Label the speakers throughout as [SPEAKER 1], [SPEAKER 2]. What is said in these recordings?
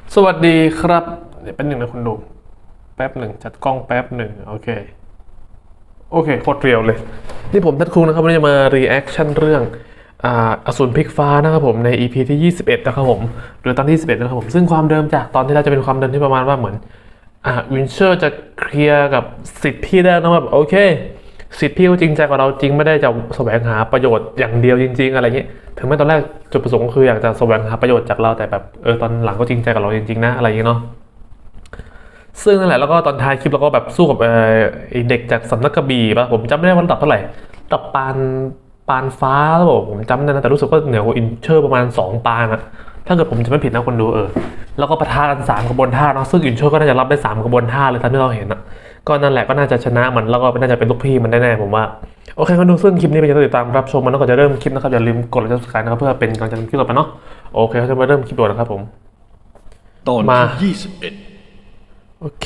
[SPEAKER 1] สวัสดีครับเดี๋ยวแป๊บหนึ่งนะคุณดูแป๊บหนึ่งจัดกล้องแป๊บหนึ่งโอเคโคตรเรียวเลยนี่ผมทัดคุงนะครับวันนี้จะมารีแอคชั่นเรื่องอสูรพลิกฟ้านะครับผมใน EP ที่21นะครับผมหรือตอนที่21นะครับผมซึ่งความเดิมจากตอนที่เราจะเป็นความเดิมที่ประมาณว่าเหมือนวินเชอร์จะเคลียร์กับสิทธิ์พี่ได้นะแบบโอเคสิทธิ์พี่ก็จริงใจกับเราจริงไม่ได้จะแสวงหาประโยชน์อย่างเดียวจริงๆอะไรเงี้ยถึงแม้ตอนแรกจุดประสงค์ก็คืออยากจะแสวงหาประโยชน์จากเราแต่แบบตอนหลังก็จริงใจกับเราจริงๆนะอะไรอย่างเงี้ยเนาะซึ่งนั่นแหละแล้วก็ตอนท้ายคลิปเราก็แบบสู้กับไอ้เด็กจากสำนักกระบี่ป่ะผมจำไม่ได้ว่าระดับเท่าไหร่ระดับปานฟ้าแล้วผมจำได้นะแต่รู้สึกว่าเหนือกว่าอินเชอร์ประมาณ2ปานอะถ้าเกิดผมจะไม่ผิดนะคนดูแล้วก็ปะทะกัน3กระบวนท่าเนาะซึ่งอินเชอร์ก็น่าจะรับได้3กระบวนท่าเลยตามที่เราเห็นอะก็นั่นแหละก็น่าจะชนะมันแล้วก็น่าจะเป็นลูกพี่มันแน่ๆผมว่าโอเคคนดูซึ่งคลิปนี้เป็นจะติดตามรับชมมันแล้วก็จะเริ่มคลิปนะครับอย่าลืมกดไลค์ subscribe นะครับเพื่อเป็นกำลังใจคลิปต่อไปเนาะโอเคเขาจะมาเริ่มคลิปด่วนนะครับผม
[SPEAKER 2] ตอน
[SPEAKER 1] มา
[SPEAKER 2] ที่21
[SPEAKER 1] โอเค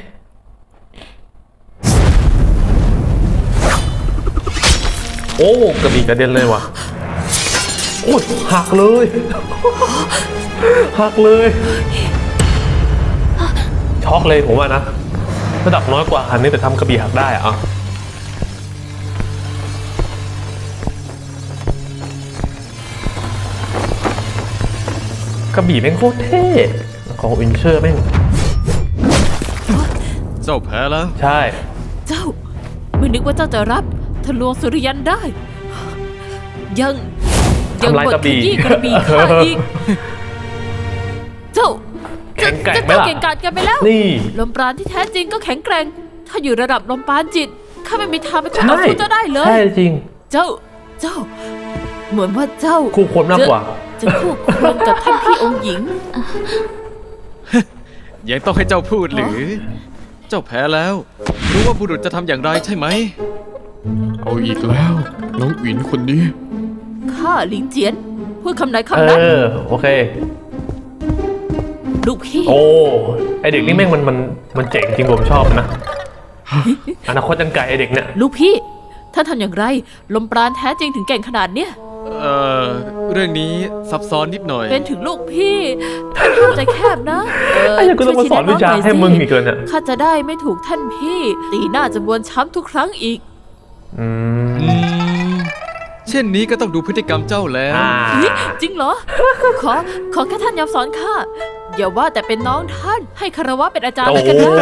[SPEAKER 1] โอ้กระบี่กระเด็นเลยว่ะโอ้ยหักเลยหักเลยช็อกเลยผมว่านะระดับน้อยกว่าอันนี้แต่ทำกระบี่หักได้อะกระบี่แม่งโคตรเท่ของวินเชอร์แม่ง
[SPEAKER 2] เจ้าแพ้แล้ว
[SPEAKER 1] ใช่
[SPEAKER 3] เจ้าไม่นึกว่าเจ้าจะรับทะลวงสุริยันได้ ยัง
[SPEAKER 1] ทำลาย
[SPEAKER 3] บ
[SPEAKER 1] ก
[SPEAKER 3] ด
[SPEAKER 1] ระ
[SPEAKER 3] ข
[SPEAKER 1] บี่
[SPEAKER 3] ยี้กระบี่ข้าอีก เจ้า
[SPEAKER 1] แข็งแกร่งไหม
[SPEAKER 3] เจ้า
[SPEAKER 1] ล่ะ
[SPEAKER 3] เก่งกาจกันไปแล้ว
[SPEAKER 1] นี่
[SPEAKER 3] ลมปราณที่แท้จริงก็แข็งแกร่ง ถ้าอยู่ระดับลมปราณจิตข้าไม่มีทางไปต่อสู้เจ้าได้เลย
[SPEAKER 1] ใช่จริง
[SPEAKER 3] เจ้า เหมือนว่าเจ้า
[SPEAKER 1] คู่ควรมากกว่า
[SPEAKER 3] จะคู่ควรกับท่านพี่องค์หญิง
[SPEAKER 2] ยังต้องให้เจ้าพูดหรือ เจ้าแพ้แล้ว รู้ว่าบุรุษจะทำอย่างไรใช่ไหม
[SPEAKER 4] เอาอีกแล้วน้องอินคนนี้
[SPEAKER 3] ข้าหลิงเจียนพูดคำไหนคำนั้น
[SPEAKER 1] โอเค
[SPEAKER 3] ลูกพี่
[SPEAKER 1] โอ้ ไอเด็กนี่แม่งมันเจ๋งจริงผมชอบนะ อนาคตยังไกลไอเด็กเนี่ย
[SPEAKER 3] ลูกพี่ท่านทำอย่างไร ลมปราณแท้จริงถึงเก่งขนาดเนี้ย
[SPEAKER 2] เรื่องนี้ซับซ้อนนิดหน่อย
[SPEAKER 3] เป็นถึงลูกพี่ท่านห้ามใจแคบนะ
[SPEAKER 1] ไอ้ยังกูต้องมาสอนวิชาให้มึงอีกเลยเนี่ย
[SPEAKER 3] ข้าจะได้ไม่ถูกท่านพี่ ตีหน้าจะบวนช้ำทุกครั้งอีก
[SPEAKER 1] อืม
[SPEAKER 2] เช่นนี้ก็ต้องดูพฤติกรรมเจ้าแล้ว
[SPEAKER 3] เฮ้ยจริงเหรอ ขอแค่ท่านยอมสอนข้าอย่าว่าแต่เป็นน้องท่านให้คารวะเป็นอาจารย์
[SPEAKER 1] โอ้
[SPEAKER 3] แล้วกันได้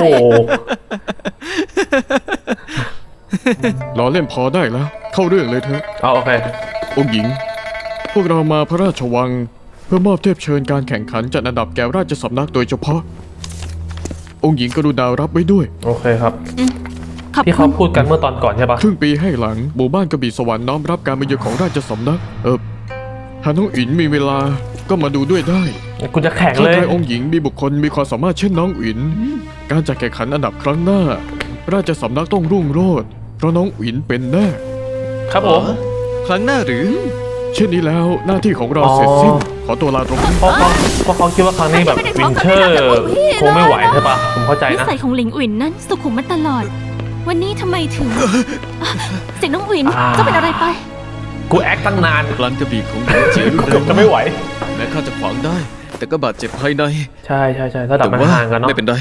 [SPEAKER 4] ล้อเล่นพอได้แล้ว เข้าเรื่องเลยเถอะ
[SPEAKER 1] เอาโอเค
[SPEAKER 4] องค์หญิง พวกเรามาพระราชวัง เพื่อมอบเทพเชิญการแข่งขันจัดอันดับแก่ราชสำนักโดยเฉพาะ องค์หญิงกรุณารับไว้ด้วย
[SPEAKER 1] โอเคครับ
[SPEAKER 3] ขอบ
[SPEAKER 1] ที่
[SPEAKER 3] คุ
[SPEAKER 1] เขา
[SPEAKER 3] ณ
[SPEAKER 1] พูดกันเมื่อตอนก่อนใช่ปะ
[SPEAKER 4] ครึ่งปีให้หลังหมู่บ้านกระบี่สวรรค์น้อมรับการมาเยือนของราชสำนักหากน้องอินมีเวลาก็มาดูด้วยได้
[SPEAKER 1] กูจะแข่ง
[SPEAKER 4] ถ้า
[SPEAKER 1] เลย
[SPEAKER 4] ใครองค์หญิงมีบุคคลมีความสามารถเช่นน้องอิน การจัดแข่งขันอันดับครั้งหน้า ราชสำนักต้องรุ่งโรจน์เพราะน้องอินเป็นแน่
[SPEAKER 1] ครับผม
[SPEAKER 2] ครั้งหน้าหรือ
[SPEAKER 4] เช่นนี้แล้วหน้าที่ของเราเสร็จสิ้น ขอตัวลาตรงนี้
[SPEAKER 1] เพราะเขาคิดว่าครั้งนี้แบบวินเชอร์คงไม่ไหวใช่ปะผมเข้าใจ
[SPEAKER 5] นิ
[SPEAKER 1] นะ
[SPEAKER 5] สัยของหลิงอุ๋นนั้นสุขุมมาตลอด วันนี้ทำไมถึง เสียงน้องอุ๋นเจ้าเป็นอะไรไป
[SPEAKER 1] กูแอคตั้งนาน
[SPEAKER 2] พลังกระบี่ของหลิงเจียน
[SPEAKER 1] กูเกือบจะไม่ไหว
[SPEAKER 2] แม้ข้าจะขวางได้ แต่ก็บาดเจ็บภายใน
[SPEAKER 1] ใช่ระดับ
[SPEAKER 2] แต่
[SPEAKER 1] มัน
[SPEAKER 2] ว่า
[SPEAKER 1] ห่างกันเนาะ
[SPEAKER 2] ไม่เป็นไร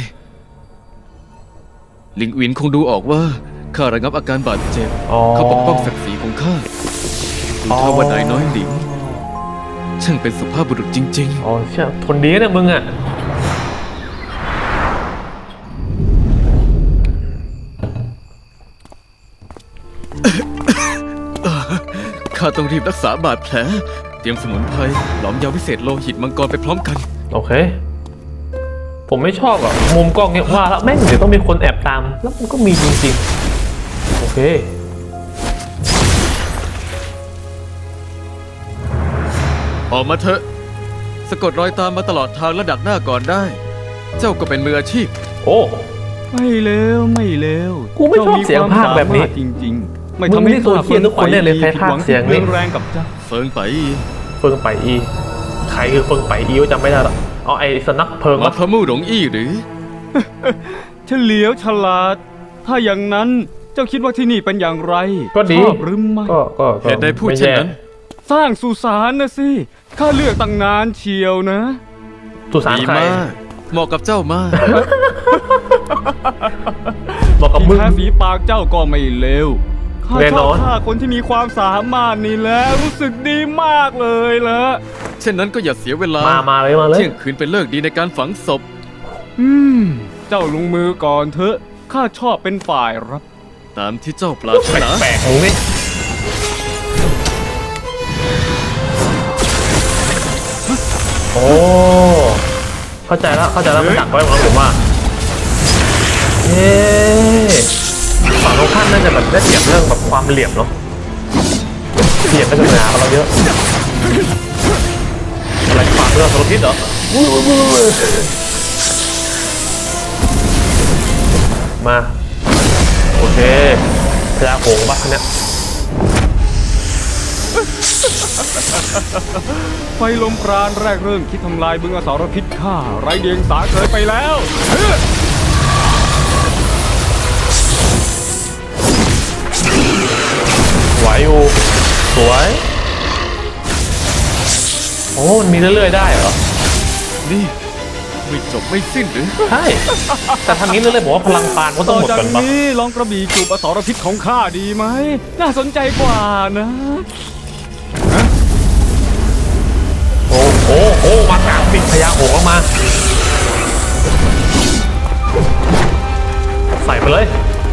[SPEAKER 2] หลิงอินคงดูออกว่าข้าระงับอาการบาดเจ็บ
[SPEAKER 1] อ๋อ
[SPEAKER 2] เขาปกป้องศักดิ์ศรีของข้าดูท่าว่านายน้อยหลิงช่างเป็นสุภาพบุรุษจริง
[SPEAKER 1] อ๋อเชี่ยทนดีนะมึงอ่ะ
[SPEAKER 2] ๆ ข้าต้องรีบรักษาบาดแผล เตรียมสมุนไพรหลอมยาวิเศษโลหิตมังกรไปพร้อมกัน
[SPEAKER 1] โอเค ผมไม่ชอบอ่ะมุมกล้องเนี้ยว่าแล้วแม่งเดี๋ยวต้องมีคนแอบตาม แล้วมันก็มีจริงๆ โอเค
[SPEAKER 2] ออกมาเถอะสะกดรอยตามมาตลอดทางและดักหน้าก่อนได้ เจ้าก็เป็นมืออาชีพ
[SPEAKER 1] โอ้
[SPEAKER 6] ไม่เลวไม่เลว
[SPEAKER 1] กูไม่ชอบเสียงภาคแบบนี้
[SPEAKER 6] เจ้มีความสามารถจริงๆ ไม่
[SPEAKER 1] มึง
[SPEAKER 6] ทำให้
[SPEAKER 1] นี่ตัวเหี้ยทุกคนเนี่ยเลยใครพากย์เสียงนี่
[SPEAKER 6] ผิดหวัที่เรือนแรงกับเจ้า
[SPEAKER 2] เฟิงไป
[SPEAKER 1] เฟิงไปอีใครคือเฟิงไปอีวะจำไม่ได้หรอกอ๋อไอ้สนักเพิง
[SPEAKER 2] มา
[SPEAKER 1] ปะ
[SPEAKER 2] พระมู่หลงอี้หรือ
[SPEAKER 6] เฉลียวฉลาด ถ้าอย่างนั้นเจ้าคิดว่าที่นี่เป็นอย่างไร
[SPEAKER 1] ก็ดี
[SPEAKER 6] ชอบหรือไม่
[SPEAKER 1] ก็
[SPEAKER 2] เหตุใดพูดเช่นนั้น
[SPEAKER 6] สร้างสุสานนะสิข้าเลือกตั้งนานเชียวนะ
[SPEAKER 1] สุสาน
[SPEAKER 2] ดี
[SPEAKER 1] ใคร
[SPEAKER 2] มากเหมาะกับเจ้ามาก
[SPEAKER 1] บอกกับ
[SPEAKER 6] ที่
[SPEAKER 1] มึง
[SPEAKER 6] แท้ฝีปากเจ้าก็ไม่เลวข้า
[SPEAKER 1] แน่
[SPEAKER 6] ช
[SPEAKER 1] น
[SPEAKER 6] อ
[SPEAKER 1] อบ น
[SPEAKER 6] ข้าคนที่มีความสามารถนี่แหละรู้สึกดีมากเลยละ
[SPEAKER 2] เช่นนั้นก็อย่าเสียเวลา
[SPEAKER 1] มาเลย
[SPEAKER 2] เที่ยงคืนเป็นเลิกดีในการฝังศพ
[SPEAKER 6] เจ้าลงมือก่อนเถอะข้าชอบเป็นฝ่ายรับ
[SPEAKER 2] ตามที่เจ้าปรารถนา
[SPEAKER 1] แปลกมึงนี่โอ้เข้าใจแล้วมันดักไว้ของผมว่าเย้ฝั่งตรงข้ามน่าจะแบบได้เปรียบเรื่องแบบความเหลี่ยมเนาะเหลี่ยมก็จะหนากับเราเยอะอะไรฝากเรื่องสารพิษเหรอมาโอเคพยาโขงบ้าเนี่ย
[SPEAKER 6] ไฟลมปราณแรกเริ่มคิดทำลายบึงอสรพิษข้าไร้เดียงสาเกินไปแล้ว
[SPEAKER 1] ไหวอยู่สวยโอ้มันมีเรื่อยๆได้เหรอ
[SPEAKER 2] นี่ไม่จบไม่สิ้นหรือ
[SPEAKER 1] ใช่แต่ทางนี้เรื่อยๆบอกว่าพลังปานก็ต้
[SPEAKER 6] ต่
[SPEAKER 1] อง
[SPEAKER 6] อ
[SPEAKER 1] หมด
[SPEAKER 6] จาก
[SPEAKER 1] ก่อนปะ
[SPEAKER 6] นี้ลองกระบี่จูบอสรพิษของข้าดีไหมน่าสนใจกว่านะ
[SPEAKER 1] โอ้มากลางปิดพยาโขงออกมาใส่ไปเลย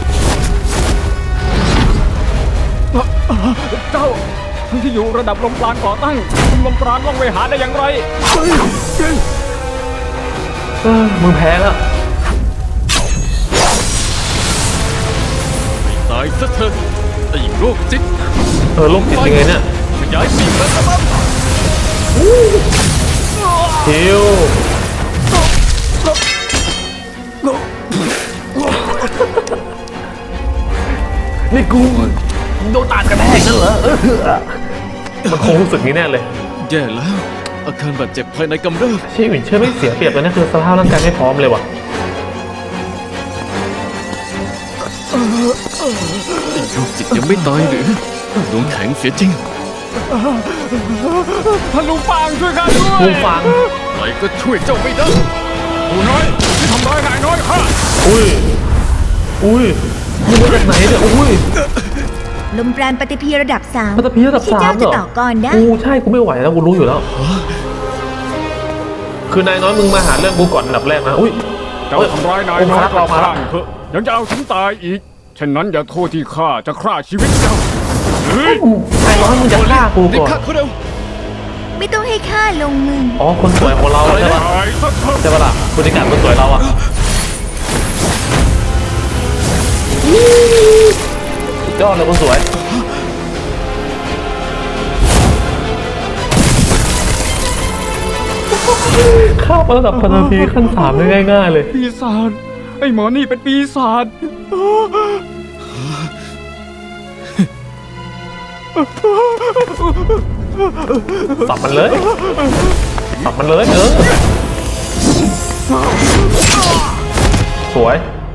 [SPEAKER 6] เจ้าทั้งที่อยู่ระดับลมปราณก่อตั้งลมปราณล่องไปหาได้อย่างไร
[SPEAKER 1] มึงแพ้แล้ว
[SPEAKER 2] ตายซะเถอะไอ้โรคจิต
[SPEAKER 1] โรคจิตยังไงเนี่ย
[SPEAKER 2] ขยายปีกแล้วครับ
[SPEAKER 1] ฮิวนี่กูโดนตาดกระแทกนั่นเหรอมันคงรู้สึกนี้แน่เลย
[SPEAKER 2] แย่แล้ว อาการบาดเจ็บภายในกำเริบ
[SPEAKER 1] ชี่หวินเชื่อไม่เสียเปรียบเลยนะคือสภาพร่างกายไม่พร้อมเลยว่ะ
[SPEAKER 2] ไอ้โรคจิตยังไม่ตายหรือดวงแข็งเสียจริง
[SPEAKER 6] ท่านลุงฟางช่วยข้าด้วย
[SPEAKER 1] มึงฟัง
[SPEAKER 2] ไหนก็ช่วยเจ้าไม่ได้
[SPEAKER 6] ผู้น้อยที่ทำร้ายนายน้อยข้า
[SPEAKER 1] อุ้ยมึงมาจากไหนเนี่ยอุ้ย
[SPEAKER 7] ลมปราณปฏิพีระดับ3
[SPEAKER 1] พัตพีระดับ
[SPEAKER 7] ที่
[SPEAKER 1] สา
[SPEAKER 7] เจ้าม
[SPEAKER 1] เหร
[SPEAKER 7] จะ
[SPEAKER 1] อ
[SPEAKER 7] ต่อกรได้
[SPEAKER 1] กูใช่กูไม่ไหวแล้วกูรู้อยู่แล้ว คือนายน้อยมึงมาหาเรื่องกูก่อนอันดับแรกนะอุ้ย
[SPEAKER 6] เจ้าทำร้ายนายน้อยกล่าวข้างเถอะยังจะเอาถึงตายอีกฉะนั้นอย่าโทษที่ข้าจะฆ่าชีวิตเจ้า
[SPEAKER 1] นายน้อยมึงจะฆ่ากู
[SPEAKER 2] รีบ
[SPEAKER 1] ก่อน
[SPEAKER 2] ฆ่าเขาเร็ว
[SPEAKER 7] ไม่ต้องให้ข้าลงมือ
[SPEAKER 1] อ๋อคนสวยของเราใช่ปะ
[SPEAKER 6] ตายซะเถอะ
[SPEAKER 1] ใช่ปะล่ะบรรยากาศคนสวยเราอะสุดยอดเลยคนสวยข้าระดับพันธีขั้น3ได้ง่ายๆเลย
[SPEAKER 6] ปีศาจไอ้หมอนี่เป็นปีศาจ
[SPEAKER 1] สับมันเลยสับมันเลยสวย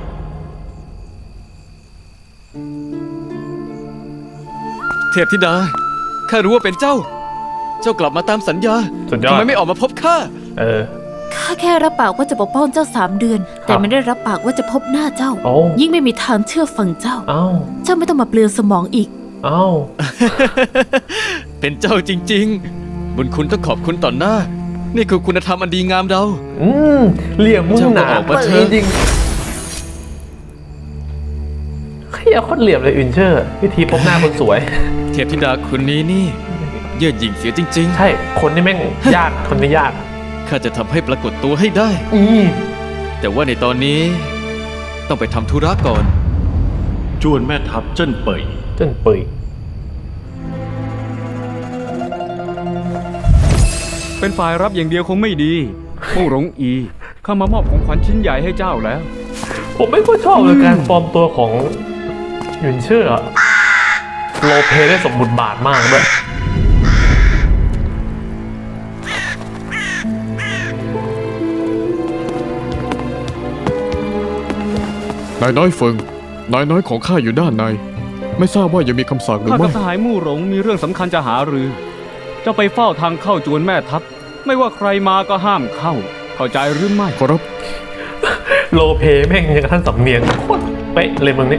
[SPEAKER 2] เทพธิดา ข้ารู้ว่าเป็นเจ้า เจ้ากลับมาตามสัญญา
[SPEAKER 1] สุดยอด
[SPEAKER 2] ทำไมไม่ออกมาพบข้า
[SPEAKER 3] ข้าแค่รับปากว่าจะปกป้องเจ้า3 เดือน แต่ไม่ได้รับปากว่าจะพบหน้าเจ้า
[SPEAKER 1] โอ้
[SPEAKER 3] ยิ่งไม่มีทางเชื่อฟังเจ้า
[SPEAKER 1] เอ้า
[SPEAKER 3] เจ้าไม่ต้องมาเปลืองสมองอีก
[SPEAKER 1] เอ้า
[SPEAKER 2] เป็นเจ้าจริง ๆ บุญคุณต้องขอบคุณต่อหน้า นี่คือคุณธรรมอันดีงามเรา
[SPEAKER 1] เหลี่ยมมึงหนา
[SPEAKER 2] เจ้าก็ออกมาเถ
[SPEAKER 1] จ
[SPEAKER 2] อะ
[SPEAKER 1] ริงเฮียโคตรเหลี่ยมเลยอินเชอร์ วิธีพบหน้าคนสวย
[SPEAKER 2] เทพธิดาคนนี้นี่ เยื่อหยิ่งเสียจริง
[SPEAKER 1] ใช่ คนนี่แม่งยาก คนนี้ยาก
[SPEAKER 2] ๆ ข้าจะทำให้ปรากฏตัวให้ได้ แต่ว่าในตอนนี้ ต้องไปทำธุระก่อน
[SPEAKER 8] จวนแม่ทัพเจิ้นเป่ย
[SPEAKER 1] จนเปื่อย
[SPEAKER 6] เป็นฝ่ายรับอย่างเดียวคงไม่ดีมู่หลงอีข้ามามอบของขวัญชิ้นใหญ่ให้เจ้าแล้ว
[SPEAKER 1] ผมไม่ค่อยชอบเลยการปลอมตัวของหยุนเชื่ออะโรลเพลย์ได้สมบทบาทมากด้วย
[SPEAKER 4] นายน้อยเฟิง นายน้อยของข้าอยู่ด้านใน ไม่ทราบว่ายังมีคำสั่งหรือ
[SPEAKER 6] ข้า
[SPEAKER 4] ไม่
[SPEAKER 6] กับสหายมู่หลงมีเรื่องสำคัญจะหารือ เจ้าไปเฝ้าทางเข้าจวนแม่ทัพ ไม่ว่าใครมาก็ห้ามเข้าเข้าใจหรือไม่
[SPEAKER 4] ขอรับ
[SPEAKER 1] โลเพแม่งยังกับท่านสำเนียงโคตรเป๊ะเลยมึงนี่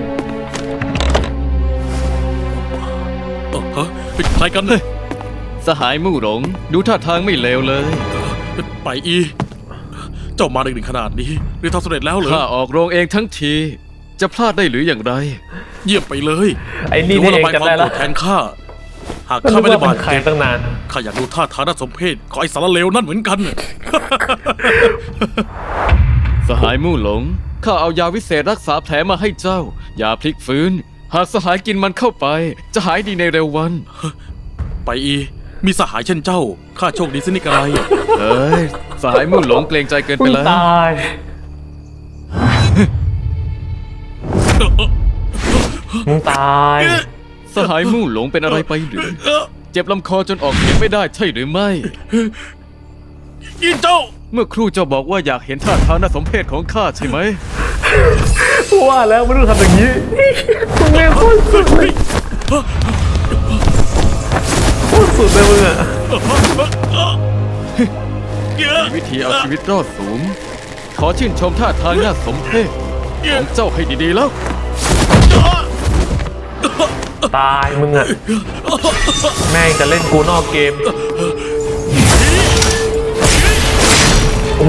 [SPEAKER 8] ฮะใครกันเนี่ย
[SPEAKER 2] สหายมู่หลง ดูท่าทางไม่เลวเลย
[SPEAKER 8] ไปอี เจ้ามาดึกๆขนาดนี้เรียนทำสำเร็จแล้วเหรอ
[SPEAKER 2] ข้าออกโรงเองทั้งที จะพลาดได้หรืออย่างไร
[SPEAKER 8] เยี่ยมไปเลย
[SPEAKER 1] ไอ้นี่
[SPEAKER 8] ถื
[SPEAKER 1] นี่
[SPEAKER 8] ว่า
[SPEAKER 1] เอง
[SPEAKER 8] ระบายความโกร
[SPEAKER 1] จำได้แล้ว
[SPEAKER 8] ธแทนข้า หาก
[SPEAKER 1] ก็
[SPEAKER 8] ข้า
[SPEAKER 1] นึ
[SPEAKER 8] ไม่
[SPEAKER 1] ก
[SPEAKER 8] ได้
[SPEAKER 1] ว่า
[SPEAKER 8] บา
[SPEAKER 1] เป็
[SPEAKER 8] ด
[SPEAKER 1] นใคร
[SPEAKER 8] เจ็บ
[SPEAKER 1] ตั้งนาน
[SPEAKER 8] ข้าอยากดูท่าทางน่าสมเพชของไอ้สารเลวนั่นเหมือนกัน
[SPEAKER 2] สหายมู่หลง ข้าเอายาวิเศษรักษาแผลมาให้เจ้า ยาพลิกฟื้น หากสหายกินมันเข้าไป จะหายดีในเร็ววัน
[SPEAKER 8] ไปอี มีสหายเช่นเจ้า ข้าโชคดีสินิกอะไร
[SPEAKER 2] เอ้ย สหายมู่หลงเกรงใจเกิน
[SPEAKER 1] มึ
[SPEAKER 2] ไป
[SPEAKER 1] ง
[SPEAKER 2] แล้ว
[SPEAKER 1] ตาย มึงตาย
[SPEAKER 2] สหายมู่หลงเป็นอะไรไปหรือ เจ็บลำคอจนออกเสียงไม่ได้ใช่หรือไม่
[SPEAKER 8] ยินเจ้า
[SPEAKER 2] เมื่อครู่เจ้าบอกว่าอยากเห็นท่าทางน่าสมเพชของข้าใช่ไหม
[SPEAKER 1] ว่าแล้วไม่รู้ทำอย่างนี้มึงแม่งโคตรสุดเลยโคตรสุดเลยมึงอะ
[SPEAKER 2] มีวิธีเอาชีวิตรอดสูง ขอชื่นชมท่าทางน่าสมเพชของเจ้าให้ดีๆแล้ว
[SPEAKER 1] ตายมึงอะแม่งจะเล่นกูนอกเกมโอ้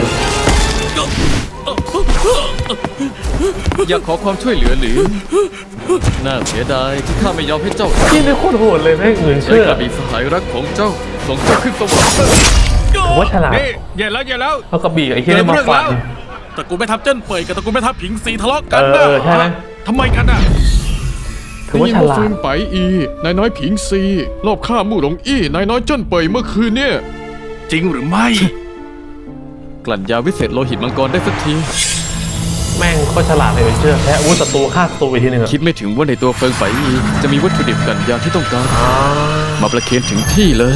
[SPEAKER 2] อยากขอความช่วยเหลือหรือ น่าเสียดายที่ข้าไม่ยอมให้เจ้า
[SPEAKER 1] ที่นี่โคตรโหดเลยแม่งอื่น
[SPEAKER 2] ใช้
[SPEAKER 1] เชื่อก
[SPEAKER 2] ระบี่สหายรักของเจ้าส่งเจ้าขึ้นสวรรค์
[SPEAKER 1] ผมว่าฉลาด
[SPEAKER 6] นี่อย่าแล้ว
[SPEAKER 1] เอากระบี่ไอ้เหี้ยนี่มาฟัน
[SPEAKER 8] ตระกูลแม่ทัพเจิ้นเป่ยกับตระกูลแม่ทัพผิงซีทะเลาะกันนะ
[SPEAKER 1] ใช่ไหม
[SPEAKER 8] ทำไมกันน่ะ
[SPEAKER 1] ถือว่าฉ
[SPEAKER 4] ได้ยิน
[SPEAKER 1] ลา
[SPEAKER 4] ฟื
[SPEAKER 1] ด
[SPEAKER 4] นไปอี นายน้อยผิงซีรอบฆ่ามู่หลงอี้ นายน้อยเจิ้นเป่ยเมื่อคืนเนี่ย
[SPEAKER 8] จริงหรือไม่
[SPEAKER 2] กลั่นยาวิเศษโลหิตมังกรได้สักที
[SPEAKER 1] แม่งโคตรฉลาดเลยเชื่อแพ้อาวุธศัตรูฆ่าศัตรูไปทีหนึงอะ
[SPEAKER 2] คิดไม่ถึงว่าในตัวเฟิงไฝอีจะมีวัตถุดิบกลั่นยาที่ต้องการ มาประเคนถึงที่เลย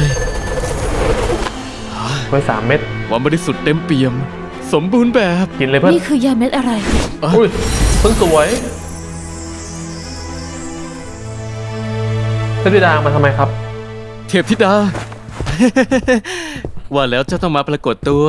[SPEAKER 1] ไว้3 เม็ด
[SPEAKER 2] ความบริสุทธิ์เต็มเปี่ยม สมบูรณ์แบบ
[SPEAKER 1] กินเลยเพื่อน
[SPEAKER 3] นี่คือยาเม็ดอะไร
[SPEAKER 1] อุ้ยเพิ่งสวยเทพธิดามาทำไมครับ
[SPEAKER 2] เทพธิดา ว่าแล้วเจ้าต้องมาปรากฏตัว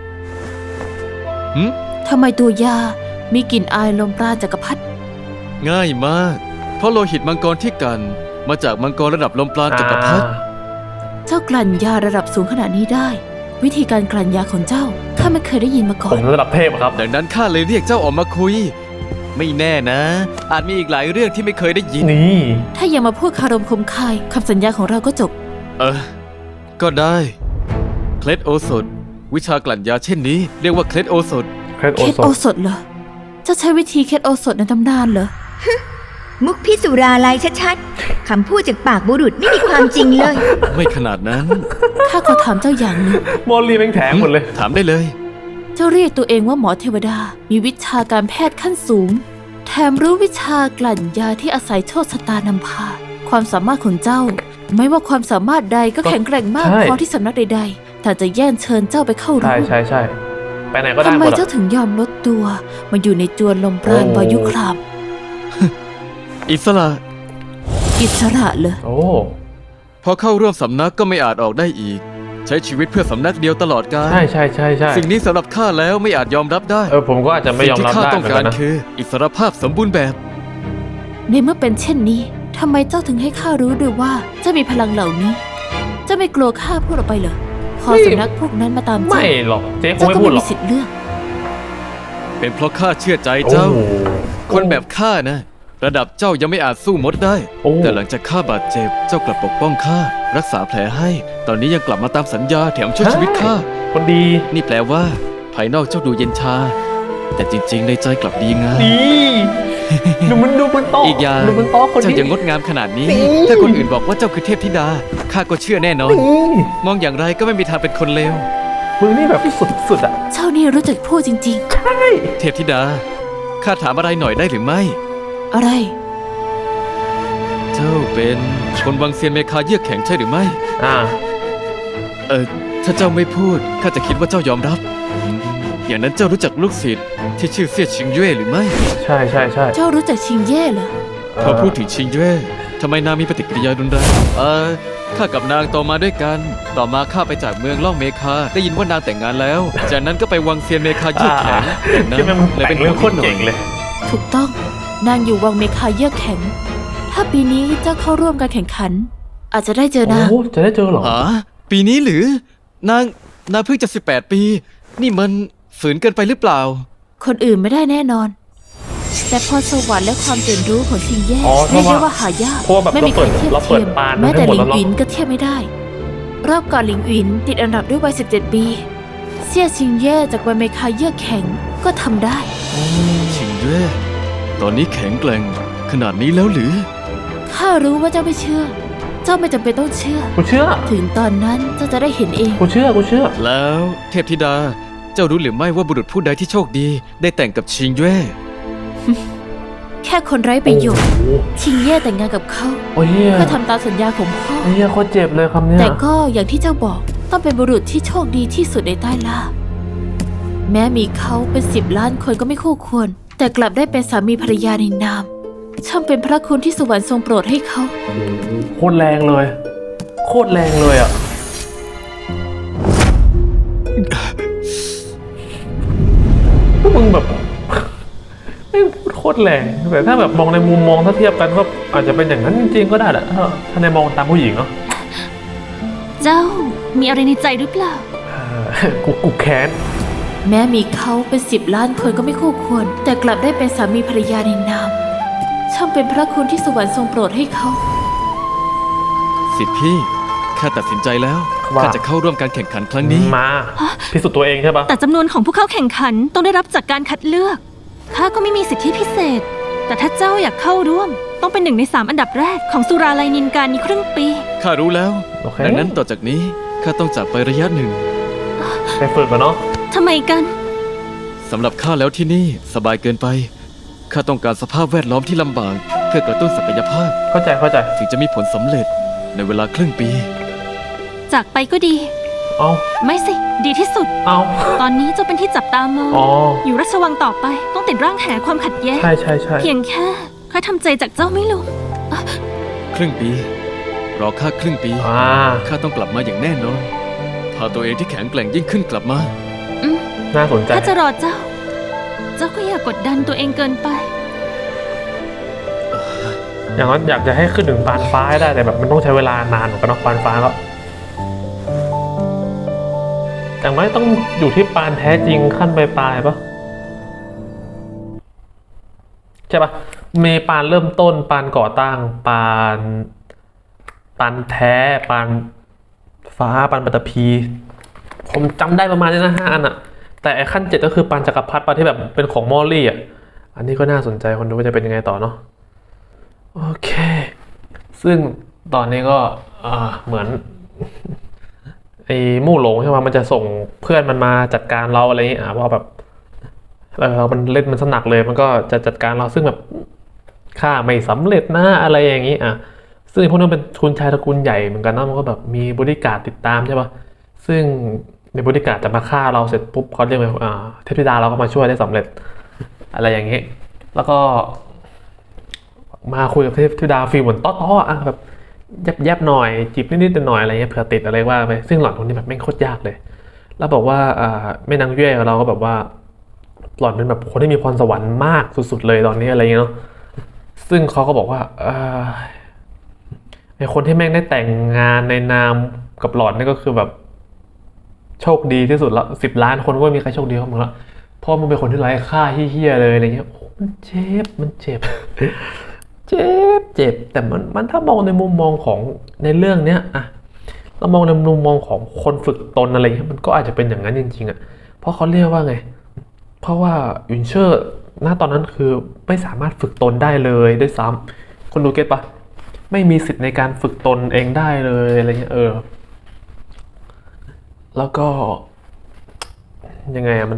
[SPEAKER 3] ทำไมตัวยา มีกลิ่นอายลมปราณจักรพรรดิ
[SPEAKER 2] ง่ายมาก เพราะโลหิตมังกรที่กัน มาจากมังกรระดับลมปราณจักรพรรดิ
[SPEAKER 3] เจ้ากลั่นยาระดับสูงขนาดนี้ได้ วิธีการกลั่นยาของเจ้าข้าไม่เคยได้ยินมาก่อ
[SPEAKER 1] ผ
[SPEAKER 3] น
[SPEAKER 1] มระดับเทพอะครับ
[SPEAKER 2] ดังนั้นข้าเลยเรียกเจ้าออกมาคุย ไม่แน่นะ อาจมีอีกหลายเรื่องที่ไม่เคยได้ยิน
[SPEAKER 1] นี่
[SPEAKER 3] ถ้ายังมาพูดคารมคมคายคำสัญญาของเราก็จบ
[SPEAKER 2] ก็ได้ เคล็ดโอสถ วิชากลั่นยาเช่นนี้ เรียกว่าเคล็ดโอสถ
[SPEAKER 1] เครดโอ
[SPEAKER 3] เคล็ด
[SPEAKER 1] โซ
[SPEAKER 3] โอสถเหรอ เจ้าใช้วิธีเคล็ดโอสถในตำนานเหรอ
[SPEAKER 7] มุกพิสุราลายชัดๆ คำพูดจากปากบุรุษไม่มีความจริงเลย
[SPEAKER 2] ไม่ขนาดนั้น
[SPEAKER 3] ข้าขอถามเจ้าอย่างหนึง
[SPEAKER 1] โมลีแม่งแถงหมดเลย
[SPEAKER 2] ถามได้เลย
[SPEAKER 3] เจ้าเรียกตัวเองว่าหมอเทวดา มีวิชาการแพทย์ขั้นสูง แถมรู้วิชากลั่นยาที่อาศัยโชคชะตานำพา ความสามารถของเจ้า ไม่ว่าความสามารถใดก็แข็งแกร่งมาก
[SPEAKER 1] ใช่
[SPEAKER 3] พอที่สำนักใดๆ แต่จะแย่งเชิญเจ้าไปเข้า
[SPEAKER 1] ใช่
[SPEAKER 3] รู้
[SPEAKER 1] ใช่ใช่ไปไหนก็ได้
[SPEAKER 3] ทำ
[SPEAKER 1] ห
[SPEAKER 3] ไม
[SPEAKER 1] มด
[SPEAKER 3] เจ้า
[SPEAKER 1] อะ
[SPEAKER 3] ถึงยอมลดตัว มาอยู่ในจวนลมปราณ
[SPEAKER 1] โอ้
[SPEAKER 3] วายุคราม
[SPEAKER 2] อิสระ
[SPEAKER 3] อิสระเหรอ
[SPEAKER 1] โอ้
[SPEAKER 2] พอเข้าร่วมสำนักก็ไม่อาจออกได้อีก ใช้ชีวิตเพื่อสำนักเดียวตลอดกาล
[SPEAKER 1] ใช่ใช่ใช่ใช่
[SPEAKER 2] สิ่งนี้สำหรับข้าแล้วไม่อาจยอมรับได้
[SPEAKER 1] ผมก็อาจจะไม่ยอมรับ
[SPEAKER 2] สิ่งที่ข้า
[SPEAKER 1] ได้
[SPEAKER 2] ต้อง
[SPEAKER 1] เหมือน
[SPEAKER 2] กา
[SPEAKER 1] กั
[SPEAKER 2] ร
[SPEAKER 1] นนะ
[SPEAKER 2] คือ อิสรภาพสมบูรณ์แบบ
[SPEAKER 3] ในเมื่อเป็นเช่นนี้ทำไมเจ้าถึงให้ข้ารู้ด้วยว่าเจ้ามีพลังเหล่านี้ เจ้าไม่กลัวข้าพูดออกไปเหรอ พอสำนักพวกนั้นมาตามเจ้า
[SPEAKER 1] ไม่หรอกเจ๊คง
[SPEAKER 3] เจ้า
[SPEAKER 1] ไม่
[SPEAKER 3] ก็
[SPEAKER 1] พู
[SPEAKER 3] ไม่
[SPEAKER 1] ดหร
[SPEAKER 3] มี
[SPEAKER 1] อก
[SPEAKER 3] สิทธิ์เลือก
[SPEAKER 2] เป็นเพราะข้าเชื่อใจ
[SPEAKER 1] โอ้
[SPEAKER 2] เจ้า คนแบบข้านะ ระดับเจ้ายังไม่อาจสู้มดได้
[SPEAKER 1] โอ้
[SPEAKER 2] แต่หลังจากข้าบาดเจ็บ เจ้ากลับปกป้องข้า รักษาแผลให้ ตอนนี้ยังกลับมาตามสัญญาแถมช่วยชีวิตข้า
[SPEAKER 1] คนดี
[SPEAKER 2] นี่แปลว่า ภายนอกเจ้าดูเย็นชา แต่จริงๆ ในใจกลับดีงาม
[SPEAKER 1] นี่ดูมันโต๊ะ
[SPEAKER 2] อีกอย่าง
[SPEAKER 1] ดูมันโต๊ะคน
[SPEAKER 2] เจ้า
[SPEAKER 1] นี้
[SPEAKER 2] ยังงดงามขนาดนี้
[SPEAKER 1] นี่
[SPEAKER 2] ถ้าคนอื่นบอกว่าเจ้าคือเทพธิดา ข้าก็เชื่อแน่นอน
[SPEAKER 1] นี่
[SPEAKER 2] มองอย่างไรก็ไม่มีทางเป็นคนเลว
[SPEAKER 1] มึงนี่แบบสุดๆอ่ะ
[SPEAKER 3] เจ้านี่รู้จักพูดจริง
[SPEAKER 2] เทพธิดา ข้าถามอะไรหน่อยได้หรือไม่
[SPEAKER 3] ๆ อะไร
[SPEAKER 2] เจ้าเป็นคนวังเซียนเมคาเยือกแข็งใช่หรือไม่
[SPEAKER 1] อ่า
[SPEAKER 2] ถ้าเจ้าไม่พูด ข้าจะคิดว่าเจ้ายอมรับ อย่างนั้นเจ้ารู้จักลูกศิษย์ที่ชื่อเสี่ยชิงเย่หรือไม่
[SPEAKER 1] ใช่ใช่ใช่
[SPEAKER 3] เจ้ารู้จักชิงเย่เหรอ
[SPEAKER 2] พอพูดถึงชิงเย่ทำไมนางมีปฏิกิริยารุนแรงข้ากับนางโตมาด้วยกัน ต่อมาข้าไปจากเมืองล่องเมคาได้ยินว่านางแต่งงานแล้ว จากนั้นก็ไปวังเซียนเมคาเยือกแข็งอย่างนั้น
[SPEAKER 1] ที่มัน
[SPEAKER 2] เลย
[SPEAKER 1] แต่
[SPEAKER 2] เป็น
[SPEAKER 1] งเรื่องโคตรเก่งเลย
[SPEAKER 3] ถูกต้อง นางอยู่วังเมคาเยือกแข็ง ถ้าปีนี้เจ้าเข้าร่วมการแข่งขัน อาจจะได้เจอนาง
[SPEAKER 1] โอ้จะได้เจอเหรอ
[SPEAKER 2] หาปีนี้หรือนางเพิ่งจะ18 ปี นี่มันฝืนเกินไปหรือเปล่า
[SPEAKER 3] คนอื่นไม่ได้แน่นอน แต่พรสวรรค์และความตื่นรู้ของชิงแย่
[SPEAKER 1] อ๋อเพ
[SPEAKER 3] เรีย
[SPEAKER 1] ราะ
[SPEAKER 3] ก
[SPEAKER 1] ว่า
[SPEAKER 3] ได้ว่าหายาก
[SPEAKER 1] เพราะว่าแบบ
[SPEAKER 3] ไม่มีใครเทียบ
[SPEAKER 1] เราเปิ
[SPEAKER 3] เที
[SPEAKER 1] ด
[SPEAKER 3] ยม
[SPEAKER 1] ปาน
[SPEAKER 3] แม้แต่
[SPEAKER 1] ให้หม
[SPEAKER 3] ห
[SPEAKER 1] ด
[SPEAKER 3] ลิ
[SPEAKER 1] แล้วเนอะ
[SPEAKER 3] งหวินก็เทียบไม่ได้ รอบก่อนหลิงหวินติดอันดับด้วยวัย17 ปี เซี่ยชิงเย่จากวัยเมคาเยือกแข็งก็ทำได้
[SPEAKER 2] ชิงเย่ตอนนี้แข็งแกร่งขนาดนี้แล้วหรือ
[SPEAKER 3] ข้ารู้ว่าเจ้าไม่เชื่อ เจ้าไม่จำเป็นต้องเชื่อ
[SPEAKER 1] กูเชื่อ
[SPEAKER 3] ถึงตอนนั้นเจ้าจะได้เห็นเอง
[SPEAKER 1] กูเชื่อ
[SPEAKER 2] แล้วเทพธิดา เจ้ารู้หรือไม่ว่าบุรุษผู้ใดที่โชคดี ได้แต่งกับชิงเย่
[SPEAKER 3] แค่คนไร้ประโยชน์
[SPEAKER 1] โอ้
[SPEAKER 3] ชิงเย่แต่งงานกับเขา
[SPEAKER 1] โอ้ยเฮีย
[SPEAKER 3] เพื่อทำตามสัญญาของพ่อ
[SPEAKER 1] เฮียโคตรเจ็บเลยคำเนี้ย
[SPEAKER 3] แต่ก็อย่างที่เจ้าบอกต้องเป็นบุรุษที่โชคดีที่สุดในใต้ล่า แม้มีเขาเป็น10 ล้านคนก็ไม่คู่ควร แต่กลับได้เป็นสามีภรรยาในนาม ช่างเป็นพระคุณที่สวรรค์ทรงโปรดให้เขา
[SPEAKER 1] โคตรแรงเลย โคตรแรงเลยอ่ะพวกมึงแบบ ไม่งพูดโคตรแรงแต่ถ้าแบบมองในมุมมองถ้าเทียบกันก็อาจจะเป็นอย่างนั้นจริงๆก็ได้แหละถ้าในมองตามผู้หญิงเนาะ
[SPEAKER 5] เจ้ามีอะไรในใจหรือเปล่า
[SPEAKER 1] กูแค้น
[SPEAKER 3] แม้มีเขาเป็น10 ล้านคนก็ไม่คู่ควร แต่กลับได้เป็นสามีภรรยาในนาม ช่างเป็นพระคุณที่สวรรค์ทรงโปรดให้เขา
[SPEAKER 2] สิทธิพี่ข้าตัดสินใจแล้วข้าจะเข้าร่วมการแข่งขันครั้งนี้
[SPEAKER 1] มาพิสูจน์ตัวเองใช่ปะ
[SPEAKER 5] แต่จำนวนของผู้เข้าแข่งขันต้องได้รับจากการคัดเลือก ข้าก็ไม่มีสิทธิพิเศษ แต่ถ้าเจ้าอยากเข้าร่วม ต้องเป็น1 ใน 3อันดับแรกของสุราลัยนินการนี้ครึ่งปี
[SPEAKER 2] ข้ารู้แล้ว
[SPEAKER 1] โอเค
[SPEAKER 2] ดังนั้นต่อจากนี้ข้าต้องจากไประยะหนึ่ง
[SPEAKER 1] ไปฝึกกันเนาะ
[SPEAKER 5] ทำไมกัน
[SPEAKER 2] สำหรับข้าแล้วที่นี่สบายเกินไปข้าต้องการสภาพแวดล้อมที่ลำบากเพื่อกระตุ้นศักยภาพ
[SPEAKER 1] เข้าใจ
[SPEAKER 2] ถึงจะมีผลสำเร็จในเวลาครึ่งปี
[SPEAKER 5] จากไปก็ดี
[SPEAKER 1] เอา
[SPEAKER 5] ไม่สิ ดีที่สุด
[SPEAKER 1] เอา
[SPEAKER 5] ตอนนี้เจ้าเป็นที่จับตามอง
[SPEAKER 1] อ๋อ
[SPEAKER 5] อยู่ราชวังต่อไปต้องติดร่างแหความขัดแย้ง
[SPEAKER 1] ใช่
[SPEAKER 5] เพียงแค่ข้าทำใจจากเจ้าไม่ลง
[SPEAKER 2] ครึ่งปี รอข้าครึ่งปี
[SPEAKER 1] อ่า
[SPEAKER 2] ข้าต้องกลับมาอย่างแน่นอนพาตัวเองที่แข็งแกร่งยิ่งขึ้นกลับมา
[SPEAKER 1] น่าสนใจ
[SPEAKER 5] ถ้าจะรอเจ้า เจ้าก็อย่ากกดดันตัวเองเกินไป
[SPEAKER 1] อย่างนั้นอยากจะให้ขึ้นถึงปานฟ้าให้ได้แต่แบบมันต้องใช้เวลานานเหมือนกันเนาะปานฟ้าก็แต่ไม่ต้องอยู่ที่ปานแท้จริงขั้นปลายๆปะใช่ปะมีปานเริ่มต้นปานก่อตั้งปานแท้ปานฟ้าปานปัตตภีผมจำได้ประมาณนี้นะ5 อันอะแต่ไอ้ขั้น 7ก็คือปานจักรพรรดิปานที่แบบเป็นของมอลลี่อะอันนี้ก็น่าสนใจคนดูว่าจะเป็นยังไงต่อเนาะ โอเค ซึ่งตอนนี้ก็เหมือน ไอ้มู่หลงใช่ไหมมันจะส่งเพื่อนมันมาจัดการเราอะไรอย่างนี้เพราะแบบมันเล่นมันสนักเลย มันก็จะจัดการเราซึ่งแบบข้าไม่สำเร็จนะอะไรอย่างนี้ซึ่งพวกนั้นเป็นทุนชายตระกูลใหญ่เหมือนกันนะมันก็แบบมีบริการดติดตามใช่ปะซึ่งในบริการดจะมาฆ่าเราเสร็จปุ๊บเขาเรียกว่าเทพธิดาเราก็มาช่วยได้สำเร็จอะไรอย่างนี้ แล้วก็ มาคุยกับเทพธิดาฟีลเหมือนต้อๆแบบแยบๆหน่อยจีบนิดๆหน่อยอะไรเงี้ยเผื่อติดอะไรว่าไปซึ่งหล่อนคนนี้แบบแม่งโคตรยากเลย แล้วบอกว่าแม่นางเย่ของเราก็แบบว่าหล่อนเป็นแบบคนที่มีพรสวรรค์มากสุดๆเลยตอนนี้อะไรเงี้ยเนาะซึ่งเขาก็บอกว่าไอคนที่แม่งได้แต่งงานในนามกับหล่อนนี่ก็คือแบบโชคดีที่สุดละ10 ล้านคนก็ไม่มีใครโชคดีเท่ามึงละเพราะมึงเป็นคนที่ไร้ค่าเหี้ยๆเลยอะไรเงี้ยโอ้มันเจ็บ เจ็บแต่มันถ้ามองในมุมมองของในเรื่องเนี้ยเรามองในมุมมองของคนฝึกตนอะไรเงี้ยมันก็อาจจะเป็นอย่างนั้นจริงๆเพราะเขาเรียกว่าไงเพราะว่ายุนเชอร์ณตอนนั้นคือไม่สามารถฝึกตนได้เลยด้วยซ้ำคนดูเก็ตปะไม่มีสิทธิ์ในการฝึกตนเองได้เลยอะไรเงี้ยแล้วก็ยังไงมัน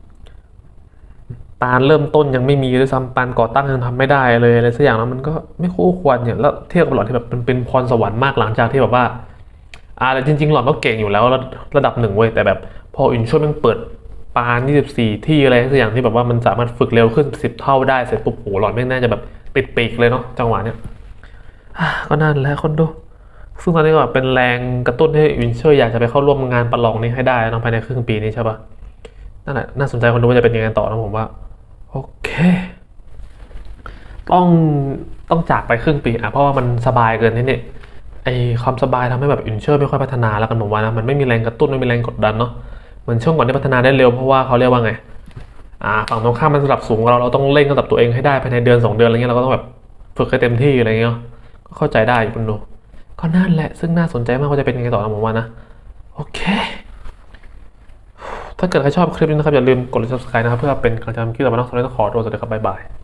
[SPEAKER 1] ปานเริ่มต้นยังไม่มีด้วยซ้ำปานก่อตั้งยังทำไม่ได้เลยอะไรสักอย่างแล้วมันก็ไม่คู่ควรเนี่ยแล้วเทียบกับหล่อนที่แบบเป็นพรสวรรค์มากหลังจากที่แบบว่าแต่จริงๆหล่อนก็เก่งอยู่แล้วระดับ1เว้ยแต่แบบพออินช่วยมันเปิดปาน24ที่อะไรสักอย่างที่แบบว่ามันสามารถฝึกเร็วขึ้น10 เท่าได้เสร็จปุ๊บโหหล่อนไม่น่าจะแบบปิดปีกเลยเนาะจังหวะเนี้ยก็นั่นแหละคนดูซึ่งตอนนี้ก็เป็นแรงกระตุ้นให้วินเชอร์อยากจะไปเข้าร่วมงานประลองนี้ให้ได้นะภายในครึ่งปีนี้ใช่ปะนั่นแหละน่าสนใจคนดูว่าจะเป็นยังไงต่อนะผมว่าโอเคต้องจากไปครึ่งปีเพราะว่ามันสบายเกินนี่เนี่ยไอความสบายทำให้แบบวินเชอร์ไม่ค่อยพัฒนาแล้วกันผมว่านะมันไม่มีแรงกระตุ้นไม่มีแรงกดดันเนาะเหมือนช่วงก่อนที่พัฒนาได้เร็วเพราะว่าเขาเรียกว่าไงฝั่งตรงข้ามมันระดับสูงเราต้องเร่งระดับตัวเองให้ได้ภายในเดือน2 เดือนอะไรเงี้ยเราก็ต้องแบบฝึกให้เต็มที่อะไรเงี้ยก็เข้าใจได้อยู่คุณดูก็นั่นแหละซึ่งน่าสนใจมากว่าจะเป็นยังไงต่อนะผมว่านะโอเคถ้าเกิดใครชอบคลิปนี้นะครับอย่าลืมกดไลค์ subscribe นะครับเพื่อเป็นกำลังใจทำคลิปต่อไปนะสำหรับวันนี้ต้องขอตัวสวัสดีครับบ๊ายบาย